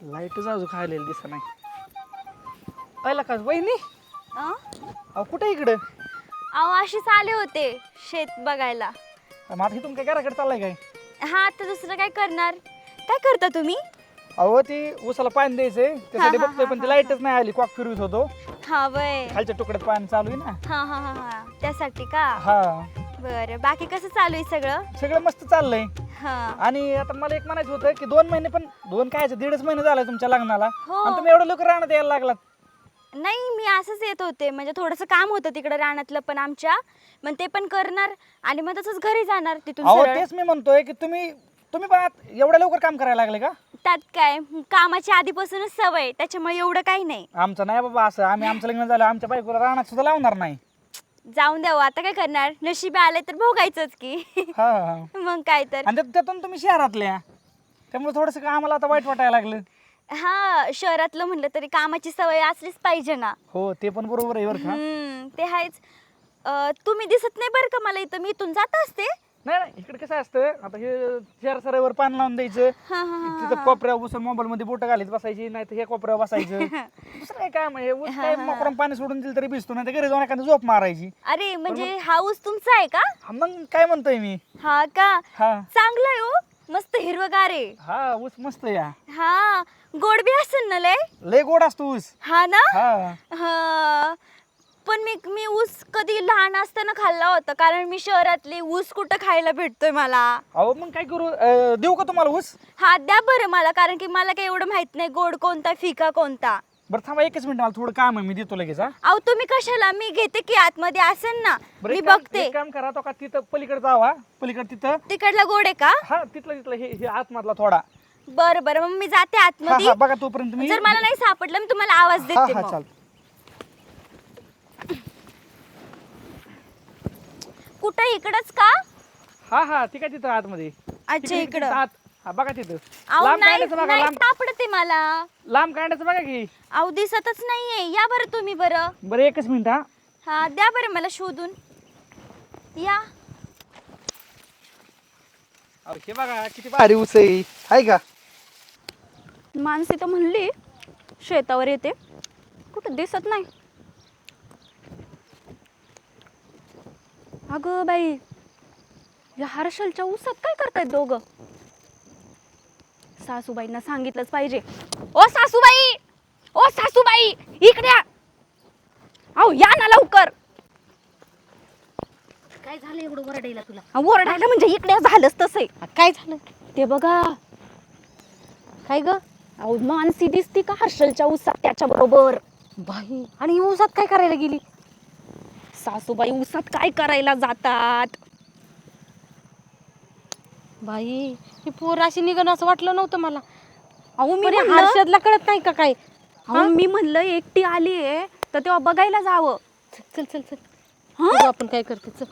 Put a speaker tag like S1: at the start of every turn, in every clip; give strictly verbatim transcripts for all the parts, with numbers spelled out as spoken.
S1: लाईटच अजून खायला दिसत नाही. पहिला का वहिनी
S2: अं?
S1: अहो कुठे इकडं?
S2: अहो अशीच आले होते शेत बघायला.
S1: माझं इथून काय घराकडे चाललाय काय?
S2: हा आता दुसरं काय करणार? काय करता तुम्ही?
S1: अहो ती उसाला पाणी द्यायचंय त्यासाठी
S2: हा, हा,
S1: बघतोय पण
S2: हा,
S1: ती लाईटच नाही आली. कॉक फिरवत होतो
S2: हा वय
S1: खालच्या तुकड्यात पाणी चालू आहे ना.
S2: हा हा हा हा त्यासाठी का?
S1: हा
S2: बरं बाकी कसं चालू आहे सगळं?
S1: सगळं मस्त चाललंय.
S2: हा
S1: आणि आता मला एक म्हणायचं होतं की दोन महिने पण दोन काय दीडच महिने झालाय तुमच्या लग्नाला
S2: हो.
S1: आणि तुम्ही एवढं लवकर राहण्यात यायला लागलात.
S2: नाही मी असंच येत होते म्हणजे थोडंसं काम होतं तिकडे रानातलं पण आमच्या मग ते पण करणार आणि मग तसंच घरी जाणार तिथून
S1: अहो
S2: सरळ.
S1: तेच मी म्हणतोय की तुम्ही तुम्ही पण आत- एवढ्या लवकर काम करायला लागले का?
S2: त्यात काय कामाची आधीपासूनच सवय त्याच्यामुळे एवढं काही नाही.
S1: आमचं नाही बाबा असं. आम्ही आमचं लग्न झालं आमच्या बायकोला राहण्यात सुद्धा लावणार नाही.
S2: जाऊन द्यावं आता काय करणार नशिबी आले तर भोगायचंच की.
S1: हा हा
S2: मग काय तर.
S1: आणि त्यात- त्यातून तुम्ही शहरातल्या त्यामुळे थोडस आम्हाला आता वाईट वाटायला लागलं.
S2: हा शहरातलं म्हणलं तरी कामाची सवय असलीच पाहिजे ना.
S1: हो ते पण बरोबर आहे बरं का.
S2: हम्म ते आहेच. अं, तुम्ही दिसत नाही बरं का मला इथं मी इथून जात असते.
S1: नाही नाही इकडे कसं असतं आता हे शहर सरावर पाणी लावून द्यायचं
S2: हा हा हा
S1: तिथं कोपऱ्या उस मोबाईल मध्ये बोट घालीत बसायची नाही तर हे कोपऱ्यावर बसायचं. दुसरं काय काम आहे ऊस काय मोकरम पाणी सोडून दिलं तरी भिजतो नाही तर घरी जाऊन एखादी झोप मारायची.
S2: अरे म्हणजे हाऊस तुमचा आहे का?
S1: हा, मग काय म्हणतोय मी.
S2: हा का
S1: हा
S2: चांगलं आहे हो मस्त हिरवगार आहे.
S1: हा ऊस मस्त या
S2: हा गोड बी असेल ना लय.
S1: लय गोड असतो ऊस.
S2: हा ना.
S1: हा
S2: हा पण मी मी ऊस कधी लहान असताना खाल्ला होता कारण मी शहरातली ऊस कुठं खायला भेटतोय मला.
S1: अहो मग काय करू अं, देऊ का तुम्हाला ऊस?
S2: हा द्या बरं मला कारण की मला काही एवढं माहित नाही गोड कोणता फिका कोणता.
S1: बरं थांबा एकच मिनिट मला थोडं काम आहे मी देतो लगेच. हा
S2: अहो तुम्ही कशाला मी घेते की आतमध्ये असेल ना
S1: बरं
S2: मी
S1: एक काम-
S2: बघते.
S1: एक काम करा तो का तिथं पलीकडे जावा पलीकडे तिथं.
S2: तिकडला गोड आहे का?
S1: हा तिथलं तिथलं हे हे आतमधला थोडा.
S2: बरं बरं मग मी जाते
S1: हा
S2: आतमध्ये.
S1: हा बघा तोपर्यंत मी.
S2: जर मला नाही सापडलं मी तुम्हाला आवाज
S1: हा
S2: देते
S1: हा
S2: मग.
S1: चाल.
S2: कुठं इकडच का?
S1: हा हा ठीक आहे तिथं आतमध्ये.
S2: अच्छा
S1: तिकडे-
S2: इकडं.
S1: तिकडे आत. हा बघा तिथं.
S2: अहो
S1: लांब
S2: नाही
S1: काढायचं बघा
S2: नाही
S1: लांब
S2: सापडते मला.
S1: लांब काढायचं बघा की.
S2: अहो दिसतच नाहीये या बरं तुम्ही बरं.
S1: बरं एकच मिनिट हा.
S2: हा द्या बरं मला शोधून या.
S1: अहो, हे बघा किती भारी ऊस आहे हाय का.
S2: माणसे तर म्हणली शेतावर येते कुठं दिसत नाही. अगं बाई या हर्षलच्या ऊसात काय करतायत दोघं? सासूबाईंना सांगितलंच पाहिजे. ओ सासूबाई ओ सासूबाई इकडे या. अहो या ना लवकर.
S3: काय झालं एवढं वरडायला तुला?
S2: अहो, ओरडायला म्हणजे इकडे या, झालंच तसंय.
S3: काय झालं?
S2: ते बघा
S3: काय ग
S2: अहो मानसी दिसती का हर्षलच्या ऊसात त्याच्या बरोबर.
S3: बाई आणि ऊसात काय करायला गेली?
S2: सासूबाई ऊसात काय करायला जातात?
S3: बाई ही पोर अशी निघणं असं वाटलं नव्हतं मला.
S2: अहो मी
S3: पण या
S2: म्हणलं
S3: हर्षदला कळत नाही का काय?
S2: अहो मी म्हणलं एकटी आली आहे तर तेव्हा बघायला जावं.
S3: चल चल चल
S2: हं?
S3: बघू आपण काय करते. चल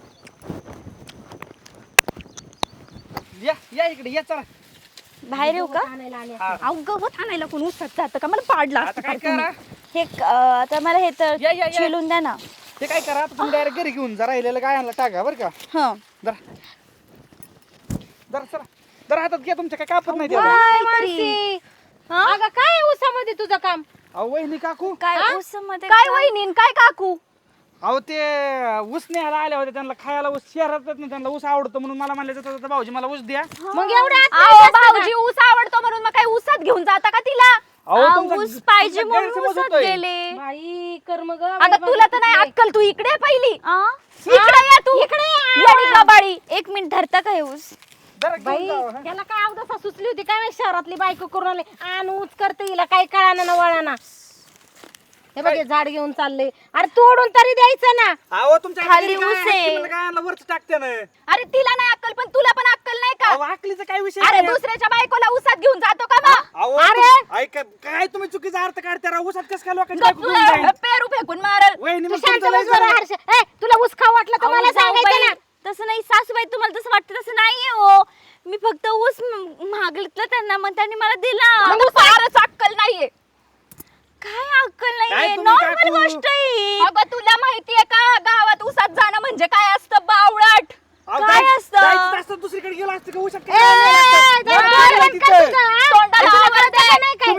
S1: या या इकडे या चला.
S2: बाहेर येऊ का?
S3: आणायला आले.
S1: हा.
S2: अहो गवत आणायला कोण ऊसात जातं का? मला पाडलं
S1: आता
S2: असतं
S1: काय
S2: फार तुम्ही.
S1: करा?
S2: हे क- अं, आता मला हे तर
S1: या, या, या.
S2: चिलून द्या ना.
S1: ते काय करा आता तुम्ही डायरेक्ट घरी घेऊन जा राहिलेलं काय आणलं टाका बरं का.
S2: हं
S1: जरा जरा चला जरा हातात घ्या तुमच्या काय कापत नाही त्याला.
S3: काय
S2: काहीतरी.
S3: मानसी?
S2: हं?
S3: अगं काय आहे ऊसामध्ये तुझं काम?
S1: अहो वहिनी काकू
S2: काय
S3: हा?
S2: ऊसामध्ये
S3: काय वहिनी काय काकू?
S1: अहो ते ऊस न्यायला आले होते त्यांना खायला ऊस शहरात ना त्यांना ऊस आवडतो म्हणून मला म्हणले जातं भाऊजी मला ऊस द्या.
S3: मग एवढ्या आत
S2: अहो
S3: नाही जास्त
S2: भाऊजी ऊस आवडतो म्हणून मग काय ऊसात घेऊन जाता का तिला?
S1: अहो,
S2: अहो,
S1: तुमचा-
S2: ऊस पाहिजे
S1: तुमचा
S2: म्हणून
S1: गैरसमज
S2: ऊसात
S1: होतोय.
S2: गेले.
S3: बाई कर्म ग.
S2: अगं तुला तर नाही अक्कल तू इकडे ये पहिली.
S3: हा?
S2: इकडे या तू.
S3: इकडे ये.
S2: येडी गबाळी. एक मिनिट धरता का हे ऊस?
S1: जरा घेऊन
S3: बाई
S1: जावा, हा.
S3: याला काय अवदसा सुचली होती काय माहित शहरातली बायको करून आले आण ऊच करते हिला काय कळाना ना वळाना. हे बघ हे झाड घेऊन चालले. अरे तोडून तरी द्यायचं ना.
S1: अहो तुमच्या
S2: खाली
S1: घरी काय
S2: ऊस आहे.
S1: आहे? तुम्हाला काय आणलं वरच टाकते ना.
S2: अरे तिला नाही अक्कल पण तुला पण अक्कल नाही का?
S1: अहो आकलीचा काय विषय
S2: अरे
S1: नाही.
S2: दुसऱ्याच्या बायकोला ऊसात घेऊन जातो का बा?
S1: अहो
S2: अरे
S1: तुम- ऐका काय तुम्ही चुकीचा अर्थ काढता राव. ऊसात कसं काय लोकांची बायको घेऊन जाईल?
S2: पेरू फेकून मारल.
S1: वहिनी
S3: तू
S1: मग
S3: शांत
S1: तुमचं लय
S3: बस जरा
S1: झालं.
S3: हर्ष. ए, तुला ऊस खाऊ वाटलं तर
S2: अहो,
S3: मला सांगायचं
S2: जाऊबाई,
S3: ना.
S2: तसं नाही सासूबाई तुम्हाला तसं वाटतं तसं नाहीये हो. मी फक्त ऊस म- मागितलं त्यांना मग त्यांनी मला दिला.
S3: मग
S2: फारच अक्कल नाहीये. काय अक्कल
S1: काय
S2: नाहीये?
S1: तुम्ही
S2: नॉर्मल
S1: काकू?
S2: गोष्ट आहे. अगं तुला माहितीये का गावात ऊसात जाणं म्हणजे काय असतं बावळट?
S1: अहो,
S2: काय
S1: जायचं-
S2: असतं?
S1: जायचं असतं दुसरीकडे गेलो असतं का ऊसात काय
S3: ए,
S1: आणलं असतं?
S3: जरा
S1: वाटलं
S3: बंद
S1: तिथं.
S3: कर तुझं, हा?
S2: तोंडाला
S3: तुला
S2: आवाज
S3: कळतं
S2: आहे.
S3: नाही काय?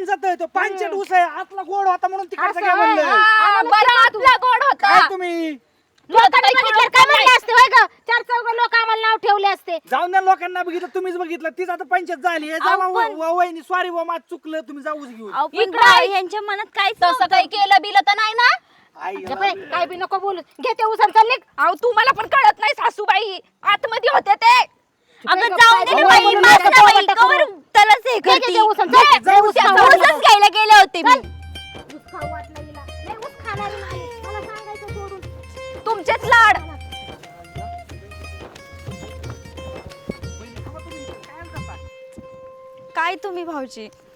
S1: जातं तो पांचट ऊस आहे आतला गोड होता म्हणून तिकडचं
S3: असं
S1: काय म्हणलं
S3: होय.
S4: हा, बरं आतला गोड होता
S1: काय तुम्ही
S3: लोकांनी बघितलं काय म्हणले असते होय ग चार चौघ लोक आम्हाला नाव ठेवले असते
S1: जाऊन द्या लोकांना बघितलं तुम्हीच बघितलं तीच आता पंचायत झाली हे जावा
S2: पण-
S1: व- वहिनी सॉरी बा माझं चुकलं तुम्ही जाऊच घेऊन
S2: अहो, पण
S4: इकडं
S2: बा-
S4: आहे.
S2: यांच्या मनात काय
S4: तसं काही केलं बिलं तर नाही ना
S1: आई
S3: गप्प आहे, काय बी नको बोलू घे ते उसात चालले
S4: अहो तुम्हाला पण कळत नाही सासूबाई आतमध्ये होते ते
S2: अगं
S3: गप्प
S2: जाऊन
S3: आहे,
S2: दे ना
S3: गप्प
S2: बाई,
S3: आहे,
S2: माझं
S3: गप्प
S2: बाई,
S3: आहे, गप्प
S2: कवर
S3: आहे.
S2: त्यालाच हे
S3: घे, घे
S2: करती.
S3: ते उसात,
S2: घे,
S3: घे,
S2: जाऊ
S3: उसात
S2: द्या,
S3: जाऊ द्या.
S2: ऊसच घ्यायला गेले होते मी
S3: ऊस खाऊ वाटलं हिला. लय ऊस खाणारी नाही. मला सांगायचं सोडून.
S4: तुमचेच लाड
S2: काय तुम्ही भाऊजी